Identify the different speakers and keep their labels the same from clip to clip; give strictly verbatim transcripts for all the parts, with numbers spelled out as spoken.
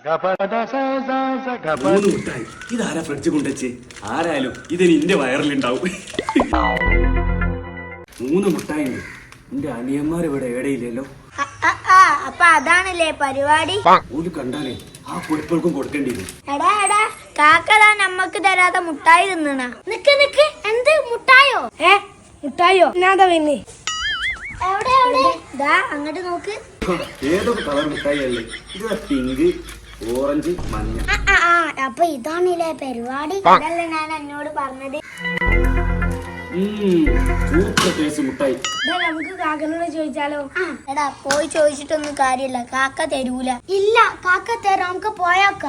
Speaker 1: മൂന്ന് മുട്ടായി. ഇതാരാ ഫ്രിഡ്ജ് കൊണ്ടുവച്ച്? ആരായാലും ഇതിന് എന്റെ വയറിലുണ്ടാവും. മൂന്ന് മുട്ടായി. എന്റെ അനിയന്മാർ ഇവിടെ എവിടെയില്ലല്ലോ.
Speaker 2: അപ്പൊ അതാണല്ലേ പരിപാടി.
Speaker 1: ഒരു കണ്ടാലേ ആ പൊടിപ്പൾക്കും കൊടുക്കേണ്ടി വരും.
Speaker 2: എടാ എടാ കാക്കതാ നമ്മക്ക് തരാതെ മുട്ടായി തിന്നണ. നിക്ക് നിക്ക്, എന്ത് മുട്ടായോ? ഏ മുട്ടായോ? ഞാതാ പിന്നെ എവിടെ എവിടെ? ദാ അങ്ങോട്ട് നോക്ക്.
Speaker 1: ഏതൊക്കെ കളർ മുട്ടായി അല്ലേ? ഇത് പിങ്ക്, ഓറഞ്ച്, മഞ്ഞ.
Speaker 2: അപ്പൊ ഇതാണല്ലേ പരിപാടി. അതല്ലേ ഞാൻ എന്നോട് പറഞ്ഞത്.
Speaker 1: സൂപ്പർ ടേസ്റ്റ് മുട്ടായി.
Speaker 2: നമുക്ക് കാക്കനോട് ചോദിച്ചാലോ? എടാ പോയി ചോദിച്ചിട്ടൊന്നും കാര്യമില്ല, കാക്ക തരൂല. ഇല്ല കാക്ക തരാം, നമുക്ക് പോയാക്കാം.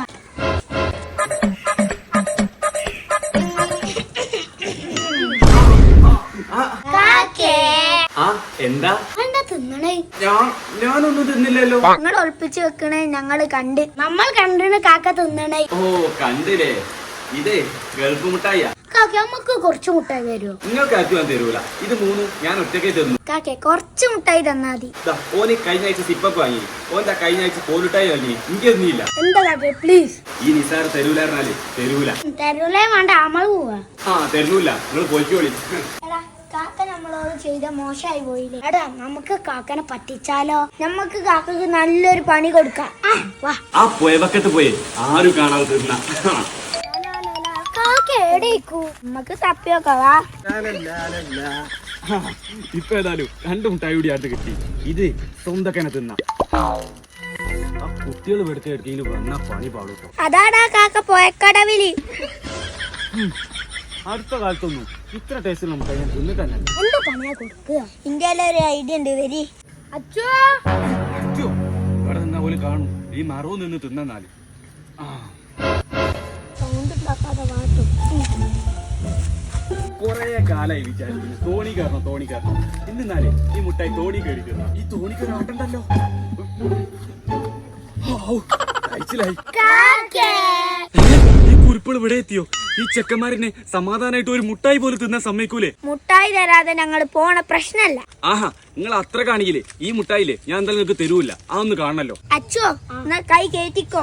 Speaker 1: എന്താ
Speaker 2: തിന്നണേ?
Speaker 1: ഞാനൊന്നും തിന്നില്ലല്ലോ.
Speaker 2: ഞങ്ങൾ ഒളിപ്പിച്ച് വെക്കണേ ഞങ്ങള് കണ്ട്. നമ്മൾ കണ്ടിന് കാക്ക തിന്നണേ.
Speaker 1: ഓ കണ്ടില്ലേ? ഇതേ ഗൾഫ് മുട്ടായിയാ.
Speaker 2: കാക്ക നമുക്ക് കുറച്ച് മുട്ടായി തരുമോ?
Speaker 1: നിങ്ങൾക്ക് ആർക്കും ഞാൻ തരൂല. ഇത് മൂന്നും ഞാൻ ഒറ്റയ്ക്ക് തന്നു.
Speaker 2: കാക്കെ കുറച്ച് മുട്ടായി തന്നാ മതി.
Speaker 1: ഓന് കഴിഞ്ഞ ആഴ്ച സിപ്പപ്പ് വാങ്ങി, ഓന്റെ കഴിഞ്ഞ ആഴ്ച കോലുട്ടായി വാങ്ങി. എനിക്കൊന്നുമില്ല.
Speaker 2: എന്താ കാക്കെ പ്ലീസ്?
Speaker 1: ഈ നിസാർ തരൂലായിരുന്നാല് തരൂല.
Speaker 2: തരൂലേ വേണ്ട, നമ്മള് പോവാ.
Speaker 1: ആ തരൂല, നിങ്ങൾ പോയിക്കോളി.
Speaker 2: കാക്ക നമ്മളോട് ചെയ്ത മോശമായി പോയില്ലേ? എടാ നമുക്ക് കാക്കനെ പറ്റിച്ചാലോ? നമുക്ക് കാക്കക്ക് നല്ലൊരു പണി കൊടുക്കാം.
Speaker 1: ആ പോയവക്കത്ത് പോയി ആരും കാണാതെ തിന്ന.
Speaker 2: നമുക്ക് തപ്പിയോക്കാ.
Speaker 1: ഇപ്പൊ ഏതായാലും രണ്ടു മുട്ടായി കൂടി അടുത്ത് കിട്ടി. ഇത് സ്വന്തക്കനെ തിന്ന. ആ കുട്ടികൾ വെടുത്ത എടുക്കല് വന്ന പണി പാടൂട്ടോ.
Speaker 2: അതാടാ കാക്ക പോയക്കടവില്.
Speaker 1: അടുത്ത കാലത്തൊന്നും ഇത്ര ടേസ്റ്റ് മുട്ടായി ഞാൻ തിന്നിട്ടല്ല.
Speaker 2: എന്താ പണിയാ കൊടുക്കുക? ഇന്ത്യയിലെ ഒരു ഐഡിയ ഉണ്ട്. വരി അച്ചോ.
Speaker 1: അച്ചോ ഇവിടെ നിന്നാ പോലും കാണും. ഈ മറവ് നിന്ന് തിന്നാല് കൊറേ കാലായി വിചാരിക്കുന്നു തോണി കയറണം തോണി കയറണം. ഇന്നാലേ ഈ മുട്ടായി തോണി കയറിക്കുന്ന ഈ തോണിക്ക് ആട്ടണ്ടല്ലോ. ഈ കുറിപ്പുകൾ ഇവിടെ എത്തിയോ? ഈ ചെക്കന്മാരിനെ സമാധാനായിട്ട് ഒരു മുട്ടായി പോലും തിന്നാൻ സമ്മതിക്കൂലേ?
Speaker 2: മുട്ടായി തരാതെ ഞങ്ങൾ പോണ പ്രശ്നല്ല.
Speaker 1: ആഹാ നിങ്ങൾ അത്ര കാണിക്കില്ലേ? ഈ മുട്ടായില്ലേ ഞാൻ എന്തായാലും നിങ്ങൾക്ക് തരൂല്ല. ആ ഒന്ന് കാണണല്ലോ.
Speaker 2: അച്ചോ എന്നാ കൈ കേറ്റിക്കോ.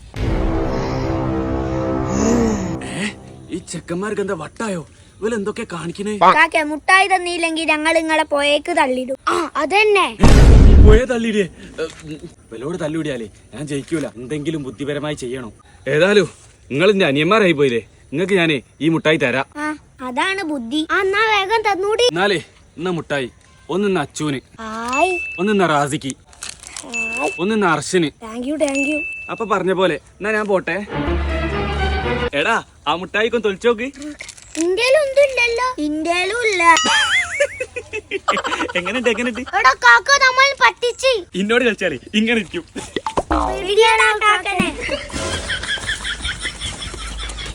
Speaker 1: ഈ ചെക്കന്മാർക്ക് എന്താ വട്ടായോ? ഇവര് എന്തൊക്കെ കാണിക്കണേ?
Speaker 2: കാക്ക മുട്ടായി തന്നില്ലെങ്കിൽ ഞങ്ങൾ നിങ്ങളെ പോയേക്ക് തള്ളിടും. ആ അതന്നെ
Speaker 1: പോയേ തള്ളിയിടേ. ഇവലോട് തള്ളിവിടിയാലേ ഞാൻ ജയിക്കൂല. എന്തെങ്കിലും ബുദ്ധിപരമായി ചെയ്യണം. ഏതായാലും നിങ്ങൾ എന്റെ അനിയന്മാരായി പോയില്ലേ? നിങ്ങൾക്ക് ഞാനേ ഈ മുട്ടായി തരാം.
Speaker 2: അതാണ് ബുദ്ധി. എന്നാ വേഗം തന്നൂടി.
Speaker 1: എന്നാലേ ഇന്ന മുട്ടായി ഒന്നിന്ന് അച്ചൂന്, ഒന്നിന്ന റാസിക്ക്, ഒന്നിന്ന അർഷന്.
Speaker 2: Thank you thank you.
Speaker 1: അപ്പൊ പറഞ്ഞ പോലെ എന്നാ ഞാൻ പോട്ടെ. എടാ ആ മുട്ടായിക്കൊന്ന് തൊളിച്ചോക്ക്.
Speaker 2: ഇന്ത്യയിലും ഒന്നുമില്ലല്ലോ. ഇന്ത്യയിലും ഇല്ല.
Speaker 1: എങ്ങനെയുണ്ട് എങ്ങനെയുണ്ട്?
Speaker 2: നമ്മൾ പറ്റിച്ച്
Speaker 1: ഇന്നോട് കളിച്ചാലേ ഇങ്ങനെ ഇരിക്കും.
Speaker 2: കാക്കനെ